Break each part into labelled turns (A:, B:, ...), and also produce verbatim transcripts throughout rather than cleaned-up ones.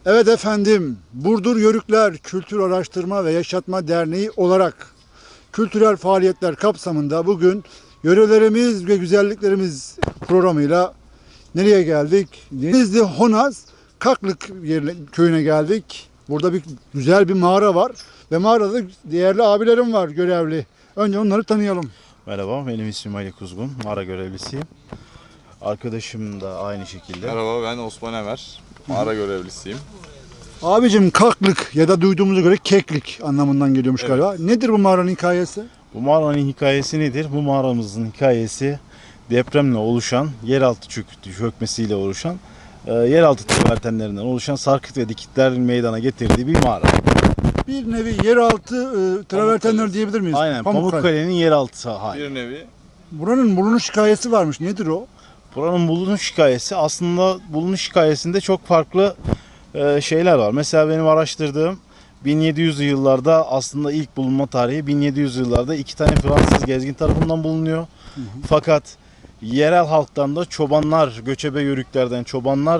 A: Evet efendim, Burdur Yörükler Kültür Araştırma ve Yaşatma Derneği olarak kültürel faaliyetler kapsamında bugün yörelerimiz ve güzelliklerimiz programıyla nereye geldik? Denizli Honaz Kaklık yerine, köyüne geldik. Burada bir güzel bir mağara var ve mağarada değerli abilerim var görevli. Önce onları tanıyalım.
B: Merhaba, benim ismim Ali Kuzgun, mağara görevlisiyim. Arkadaşım da aynı şekilde.
C: Merhaba, ben Osman Emer, mağara görevlisiyim.
A: Abicim Kaklık ya da duyduğumuza göre keklik anlamından geliyormuş
C: Evet.
A: galiba. Nedir bu mağaranın hikayesi?
B: Bu mağaranın hikayesi nedir? Bu mağaramızın hikayesi depremle oluşan, yeraltı çök- çökmesiyle oluşan, e, yeraltı travertenlerinden oluşan sarkıt ve dikitlerin meydana getirdiği bir mağara.
A: Bir nevi yeraltı e, travertenler diyebilir miyiz?
B: Aynen,
A: Pamukkale.
B: Pamukkale'nin yeraltı hali.
C: Bir nevi
A: Buranın bulunuş hikayesi varmış. Nedir o?
B: Buranın bulunuş hikayesi, aslında bulunuş hikayesinde çok farklı e, şeyler var. Mesela benim araştırdığım bin yedi yüzlü yıllarda aslında ilk bulunma tarihi bin yedi yüz yıllarda iki tane Fransız gezgin tarafından bulunuyor. Hı hı. Fakat yerel halktan da çobanlar, göçebe yörüklerden çobanlar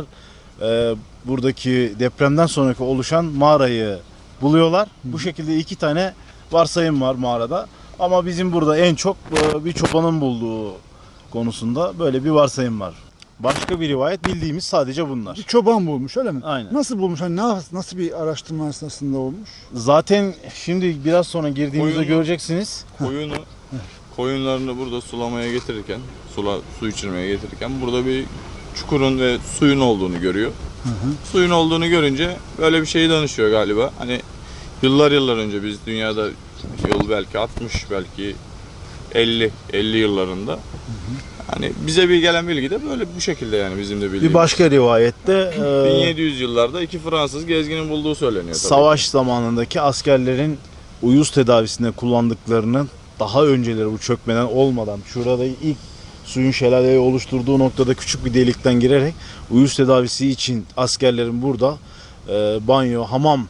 B: e, buradaki depremden sonraki oluşan mağarayı buluyorlar. Hı hı. Bu şekilde iki tane varsayım var mağarada. Ama bizim burada en çok e, bir çobanın bulduğu konusunda böyle bir varsayım var. Başka bir rivayet bildiğimiz sadece bunlar.
A: Bir çoban bulmuş öyle mi?
B: Aynen.
A: Nasıl bulmuş? Hani ne, nasıl bir araştırma esnasında olmuş?
B: Zaten şimdi biraz sonra girdiğimizde
C: Koyunu-
B: göreceksiniz.
C: koyunu, koyunlarını burada sulamaya getirirken, sula, su içirmeye getirirken burada bir çukurun ve suyun olduğunu görüyor.
A: Hı hı.
C: Suyun olduğunu görünce böyle bir şeyi danışıyor galiba. Hani yıllar yıllar önce biz dünyada yıl belki altmış, belki elli, elli yıllarında. Hı hı. Hani bize bir gelen bilgi de böyle bu şekilde, yani bizim de bildiğimiz.
B: Bir başka rivayette e,
C: bin yedi yüz yıllarda iki Fransız gezginin bulduğu söyleniyor tabii.
B: savaş zamanındaki askerlerin uyuz tedavisinde kullandıklarını, daha önceleri bu çökmeden olmadan şurada ilk suyun şelaleyi oluşturduğu noktada küçük bir delikten girerek uyuz tedavisi için askerlerin burada e, banyo, hamam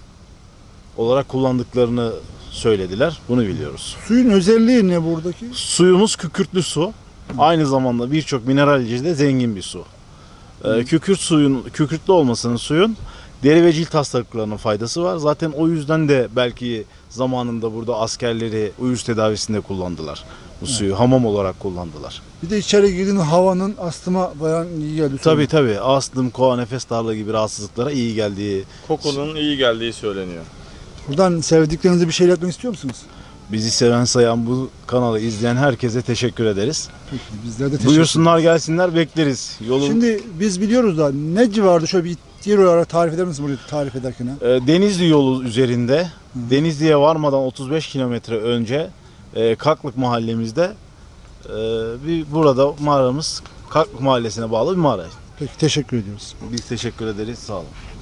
B: olarak kullandıklarını söylediler. Bunu biliyoruz.
A: Suyun özelliği ne buradaki?
B: Suyumuz kükürtlü su. Aynı zamanda birçok mineralce zengin bir su. Ee, kükürt suyun, kükürtlü olmasının suyun deri ve cilt hastalıklarına faydası var. Zaten o yüzden de belki zamanında burada askerleri uyuz tedavisinde kullandılar. Bu suyu hamam olarak kullandılar.
A: Bir de içeri girdiğin havanın astıma bayan iyi geldi.
B: Tabii tabii. Astım, koa, nefes darlığı gibi rahatsızlıklara iyi geldiği.
C: Kokunun iyi geldiği söyleniyor.
A: Buradan sevdiklerinize bir şey iletmek istiyor musunuz?
B: Bizi seven sayan, bu kanalı izleyen herkese teşekkür ederiz.
A: Peki, bizler de teşekkür
B: Buyursunlar gelsinler, bekleriz. Yolun
A: Şimdi biz biliyoruz da ne civarda şöyle bir yer olarak tarif eder misiniz burayı tarif ederken? ha?
B: E, Denizli yolu üzerinde, Denizli'ye varmadan otuz beş kilometre önce e, Kaklık mahallemizde e, bir burada mağaramız, Kaklık mahallesine bağlı bir mağara.
A: Peki teşekkür ediyoruz.
B: Biz teşekkür ederiz, sağ olun.